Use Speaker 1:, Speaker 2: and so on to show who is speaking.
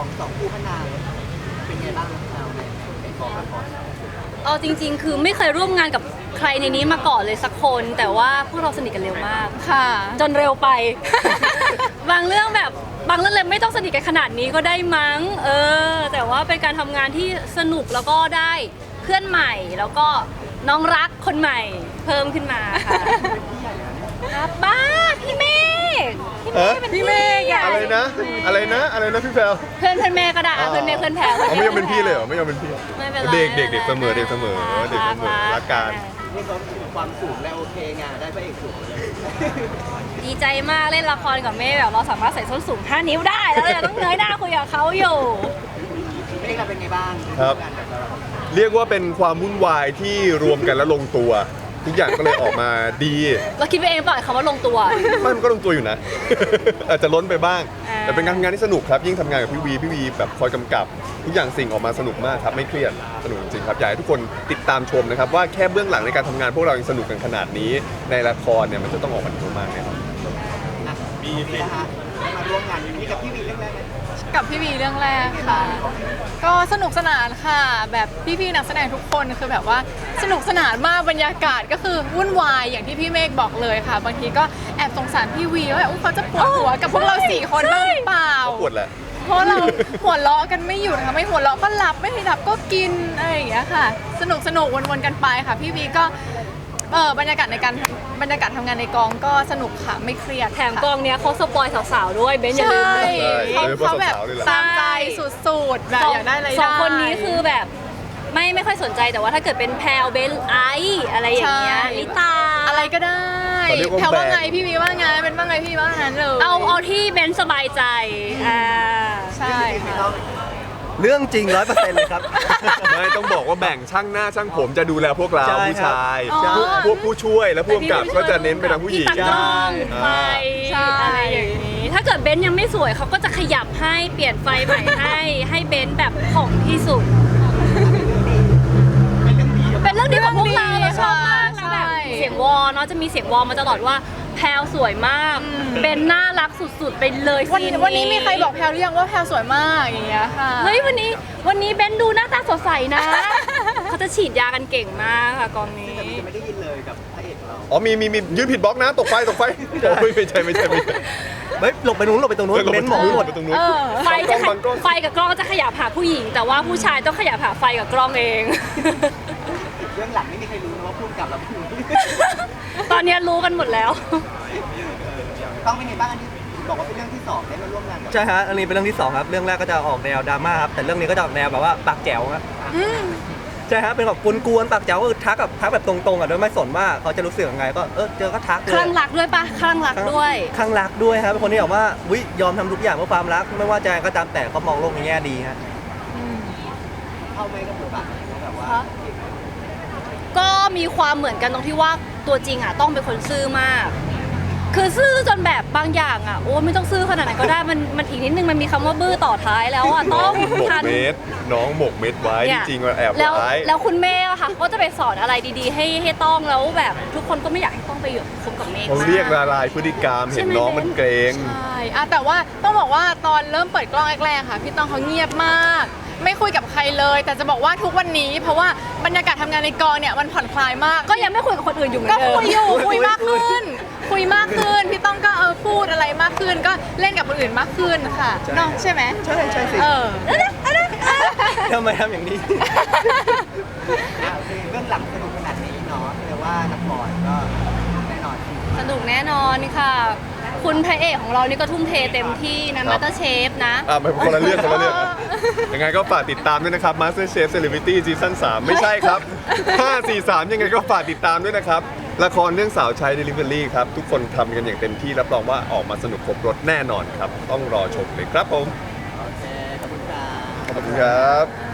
Speaker 1: สองคู่พนางเป็นไงบ้างเราในกองละคร
Speaker 2: เอาจริงๆ คือไม่เคยร่วมงานกับใครในนี้มาก่อนเลยสักคน แต่ว่าพวกเราสนิทกันเร็วมาก
Speaker 3: ค่ะ
Speaker 2: จนเร็วไป บางเรื่องเลยไม่ต้องสนิทกันขนาดนี้ก็ได้มั้งแต่ว่าเป็นการทำงานที่สนุกแล้วก็ได้เพื่อนใหม่แล้วก็น้องรักคนใหม่เพิ่มขึ้นมาค่ะครับบ้าพี่เมฆเป็นพี่เมฆ
Speaker 4: อะไรนะพี่แพลว
Speaker 2: เพื่อนแม่ก็ได้เพื่อนแม่เพื่อนแพร
Speaker 4: ไม่ยอมเป็นพี่เลยเหรอไม่ยอมเป็นพี่
Speaker 2: ไม่เป็นไร
Speaker 4: เด็กเสมอรักกัน
Speaker 1: นี่ก็ความสูงแล้วโอเคไงได้พระเอกสูงเลย
Speaker 2: ดีใจมากเล่นละครกับเมฆแบบเราสามารถใส่ส้นสูง5 นิ้วได้แล้วเราต้องเงยหน้าคุยกับเขาอยู่
Speaker 1: ไม่เราเป็นไงบ้าง
Speaker 4: ครับเรียกว่าเป็นความวุ่นวายที่รวมกันแล้วลงตัวทุกอย่างก็เลยออกมาดี
Speaker 2: เราคิดไปเองเปล่าคำว่าลงตัว
Speaker 4: มันก็ลงตัวอยู่นะ อาจจะล้นไปบ้างแต่เป็นการทำงานที่สนุกครับยิ่งทำงานกับพี่วีแบบคอยกำกับทุกอย่างสิ่งออกมาสนุกมากครับไม่เครียดสนุกจริงครับอยากให้ทุกคนติดตามชมนะครับว่าแค่เบื้องหลังในการทำงานพวกเรายังสนุกกันขนาดนี้ในละครเนี่ยมันจะต้องออกมาดีมากแน่นอน
Speaker 1: มีนะฮะมาร่วมงานนี้กับพี่วีเรื่องแรก
Speaker 3: กับพี่วีเรื่องแรกค่ะก็สนุกสนานค่ะแบบพี่ๆนักแสดงทุกคนคือแบบว่าสนุกสนานมากบรรยากาศก็คือวุ่นวายอย่างที่พี่เมฆบอกเลยค่ะบางทีก็แอบสงสารพี่วีว่าเขาจะปวดหัวกับพวกเรา4 คนบ้างหรือเปล่า
Speaker 4: ปวดแหละ
Speaker 3: เพราะเราหัวเราะกันไม่หยุดค่ะไม่หัวเราะก็หลับไม่หลับก็กินอะไรอย่างเงี้ยค่ะสนุกวนๆกันไปค่ะพี่วีก็บรรยากาศทำงานในกองก็สนุกค่ะไม่เครียด
Speaker 2: แถมกองเนี้ยเขาสปอยสาวๆด้วยเบนอย่าลืม
Speaker 3: เขาแบบตามใจสุดๆแบบอยากได้อะไรได้
Speaker 2: 2 คนนี้คือแบบไม่ค่อยสนใจแต่ว่าถ้าเกิดเป็นแพลเบนไออะไรอย่างเงี้ยลิตา
Speaker 3: อะไรก็ได้แพลว่าไงพี่วีว่าไงเป็นว่าไงพี่ว่างั้นเลย
Speaker 2: เอาที่เบนสบายใจ
Speaker 3: ใช่ค่ะ
Speaker 5: เรื่องจริง100%เลยครับ
Speaker 4: ไม่ต้องบอกว่าแบ่งช่างหน้าช่างผมจะดูแลพวกเราผู้ชายพวกผู้ช่วยและผู้กำกับก็จะเน้นไปทางผู้หญิง
Speaker 2: ตากล้องไฟอะไรอย่างนี้ถ้าเกิดเบนยังไม่สวยเขาก็จะขยับให้เปลี่ยนไฟใหม่ให้เบนแบบของที่สุดเป็นเรื่องดีของพวกเราชอบมากนะแบบเสียงวอเนาะจะมีเสียงวอมาตลอดว่าแพลสวยมากเป็นน่ารักสุดๆไปเลย
Speaker 3: วันนี้มีใครบอกแพลหรือยังว่าแพลสวยมากอย่างเงี้ยค่ะ
Speaker 2: เฮ้ยวันนี้เบนดูหน้าตาสดใสนะเขาจะฉีดยากันเก่งมากค่ะกองนี้
Speaker 1: ไม่ได้ยินเลยกับพระเอกเรา
Speaker 4: อ๋อมียืนผิดบล็อกนะตกไฟโอ้ยไม่ใช่
Speaker 5: เฮ้ยหลบไปตรงนู้นเบนหมองหมด
Speaker 2: ไฟกับกล้องจะขยับหาผู้หญิงแต่ว่าผู้ชายต้องขยับหาไฟกับกล้องเอง
Speaker 1: เรื่องหลังไม่มีใครรู้นะว่าพูดกับเราพูด
Speaker 2: ตอนนี้รู้กันหมดแล้ว
Speaker 1: ต้องเป็นไงบ้างอันนี้บอกว่าเป็นเรื่องที่2ได้มาร่วมงาน
Speaker 5: ใช่ฮะอันนี้เป็นเรื่องที่2ครับเรื่องแรกก็จะออกแนวดราม่าครับแต่เรื่องนี้ก็จะออกแนวแบบว่าปากแจ๋วครับใช่ฮะเป็นแบบกวนๆปากแจ๋วก็คือทักแบบตรงๆอ่ะโดยไม่สนว่าเขาจะรู้สึกยังไงก็เจอก็ทักเลย
Speaker 2: คลั่งรักด้วยปะคลั่งรักด้วย
Speaker 5: ครับเป็นคนที่แบบว่าวิยอมทำทุกอย่างเพื่อความรักไม่ว่าจะก็ตามแต่เขามองโลกในแง่ดีฮะ
Speaker 1: เข้าไม่กับบทบาทแบบว่า
Speaker 2: ก็มีความเหมือนกันตรงที่ว่าตัวจริงอ่ะต้องเป็นคนซื่อมากคือซื่อจนแบบบางอย่างอ่ะโอ้ไม่ต้องซื่อขนาดไหนก็ได้มันอีกนิดนึงมันมีคำว่าบื้อต่อท้ายแล้วอ่ะต้อง
Speaker 4: ทันน้องหมกเม็ดไว้จริงๆว่าแอบไว้
Speaker 2: แล้วคุณแม่ค่ะก็จะไปสอนอะไรดีๆให้ต้องแล้วแบบทุกคนก็ไม่อยากให้ต้องไปอยู่คบกับเมฆ
Speaker 4: เขาเรียกละลายพฤติกรรมเห็นน้องมันเกรง
Speaker 3: ใช่แต่ว่าต้องบอกว่าตอนเริ่มเปิดกล้องแรกๆค่ะพี่ต้องเขาเงียบมากไม่คุยกับใครเลยแต่จะบอกว่าทุกวันนี้เพราะว่าบรรยากาศทำงานในกองเนี่ยมันผ่อนคลายมาก
Speaker 2: ก็ยังไม่คุยกับคนอื่นอยู่เหมือนเดิม
Speaker 3: ก็คุยมากขึ้นพี่ต้องก็พูดอะไรมากขึ้นก็เล่นกับคนอื่นมากขึ้นค่ะน้องใช่ไหม
Speaker 5: ใช่สิทำไมทำอย่างนี้
Speaker 1: เรื่องหลังสนุกขนาดนี้เนาะแต่ว่าละครก็แน่นอน
Speaker 2: สนุกแน่นอนค่ะคุณพระเอกของเรานี่ก็ทุ่มเทเต็มที่นะ MasterChef นะ
Speaker 4: ไม่คนละเรื่องยังไงก็ฝากติดตามด้วยนะครับ MasterChef Celebrity Season 3ไม่ใช่ครับ543ยังไงก็ฝากติดตามด้วยนะครับละครเรื่องสาวใช้ Delivery ครับทุกคนทำกันอย่างเต็มที่รับรองว่าออกมาสนุกครบรสแน่นอนครับต้องรอชมเลยครับผม
Speaker 1: โอเคขอบคุณครับ
Speaker 4: ขอบคุณครับ